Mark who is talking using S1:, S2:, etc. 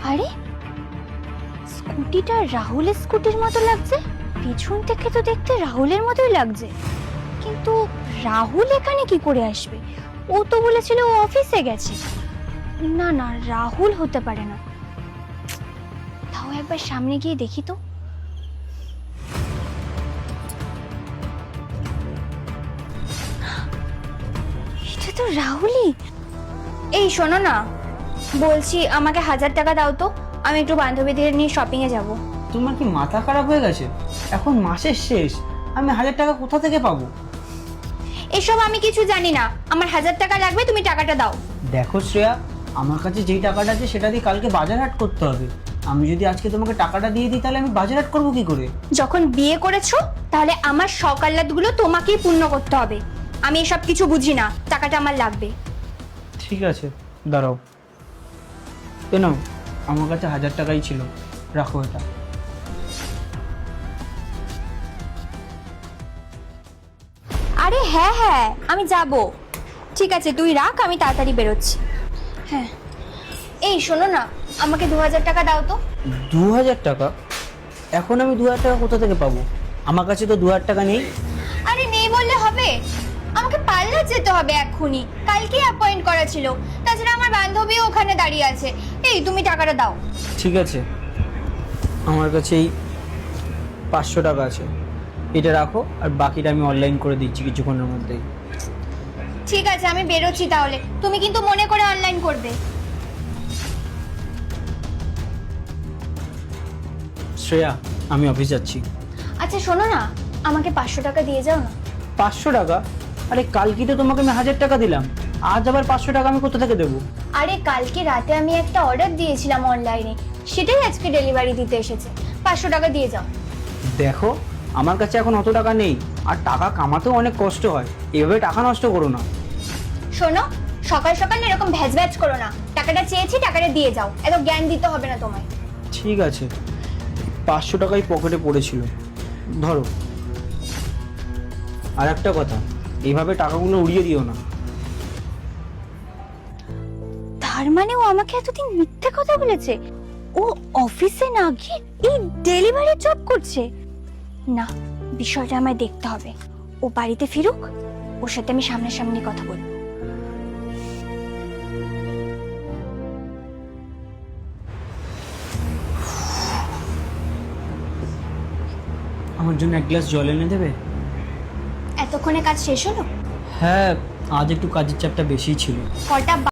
S1: আরে স্কুটিটা রাহুলের স্কুটির মতো লাগছে, পিছন থেকে তো দেখতে রাহুলের মতোই লাগছে, কিন্তু রাহুল এখানে কি করে আসবে? ও তো বলেছিল ও অফিসে গেছে। না না, রাহুল হতে পারে না। তাও একবার সামনে গিয়ে দেখি তো। এটা তো রাহুলই। এই শোনো না, বলছি আমাকে 1000 টাকা দাও তো, আমি একটু বান্ধবীদের নিয়ে শপিং এ যাব।
S2: তোমার কি মাথা খারাপ হয়ে গেছে? এখন মাসের শেষ, আমি 1000 টাকা কোথা থেকে পাবো?
S1: এসব আমি কিছু জানি না, আমার 1000 টাকা লাগবে, তুমি টাকাটা দাও।
S2: দেখো শ্রেয়া, আমার কাছে যেই টাকাটা আছে সেটা দিয়ে কালকে বাজার হাট করতে হবে। আমি যদি আজকে তোমাকে টাকাটা দিয়ে দিই তাহলে আমি বাজার হাট করবো কি করে?
S1: যখন বিয়ে করেছো তাহলে আমার সকাল্লাতগুলো তোমাকেই পূর্ণ করতে হবে। আমি এসব কিছু বুঝি না, টাকাটা আমার লাগবে।
S2: ঠিক আছে, দাঁড়াও। এ নাও, আমার কাছে 1000 টাকাই ছিল, রাখো এটা।
S1: আরে হ্যাঁ হ্যাঁ, আমি যাব। ঠিক আছে তুই রাখ, আমি তাড়াতাড়ি বেরোচ্ছি। হ্যাঁ, এই শোনো না, আমাকে 2000 টাকা দাও তো।
S2: 2000 টাকা? এখন আমি 2000 টাকা কোথা থেকে পাবো? আমার কাছে তো 2000 টাকা নেই।
S1: আরে নেই বললে হবে? আমাকে পার্লার যেতে হবে এক্ষুনি, কালকে অ্যাপয়েন্ট করা ছিল। তাছাড়া আমার বান্ধবীও ওখানে দাঁড়িয়ে আছে। এই তুমি টাকাটা দাও।
S2: ঠিক আছে, আমার কাছে এই 500 টাকা আছে, এটা রাখো, আর বাকিটা আমি অনলাইন করে দিচ্ছি কিছুক্ষণের মধ্যেই।
S1: ঠিক আছে, আমি বেরোচ্ছি তাহলে, তুমি কিন্তু মনে করে অনলাইন করবে।
S2: শ্রেয়া, আমি অফিস যাচ্ছি।
S1: আচ্ছা শোনো না, আমাকে 500 টাকা দিয়ে যাও না।
S2: 500 টাকা? আরে কালকে তো তোমাকে আমি 1000 টাকা দিলাম, আজ আবার 500 টাকা আমি কোথা থেকে দেবো?
S1: আরে কালকে রাতে আমি একটা অর্ডার দিয়েছিলাম অনলাইনে, সেটাই আজকে ডেলিভারি দিতে এসেছে। 500 টাকা দিয়ে যাও।
S2: দেখো, আমার কাছে এখন অত টাকা নেই, আর টাকা কামাতেও অনেক কষ্ট হয়, এভাবে টাকা নষ্ট করো না।
S1: শোনো, সকাল সকাল এরকম ভ্যাজ ভ্যাজ করো না। টাকাটা চেয়েছি, টাকাটা দিয়ে যাও, এত জ্ঞান দিতে হবে না তোমায়।
S2: ঠিক আছে, 500 টাকাই পকেটে পড়েছিল, ধরো। আর একটা কথা, এইভাবে টাকাগুলো উড়িয়ে দিও না।
S1: তার মানে ও আমাকে এতদিন মিথ্যে কথা বলেছে? ও অফিসে না গিয়ে এই ডেলিভারি জব করছে? না, বিষয়টা আমায় দেখতে হবে। ও বাড়িতে ফিরুক, ওর সাথে আমি সামনাসামনি কথা বলবো।
S2: আমার জন্য এক গ্লাস জল এনে দেবে?
S1: এতক্ষণে কাজ শেষ হলো?
S2: হ্যাঁ, আজ একটু কাজের চাপটা বেশিই ছিল।
S1: কটা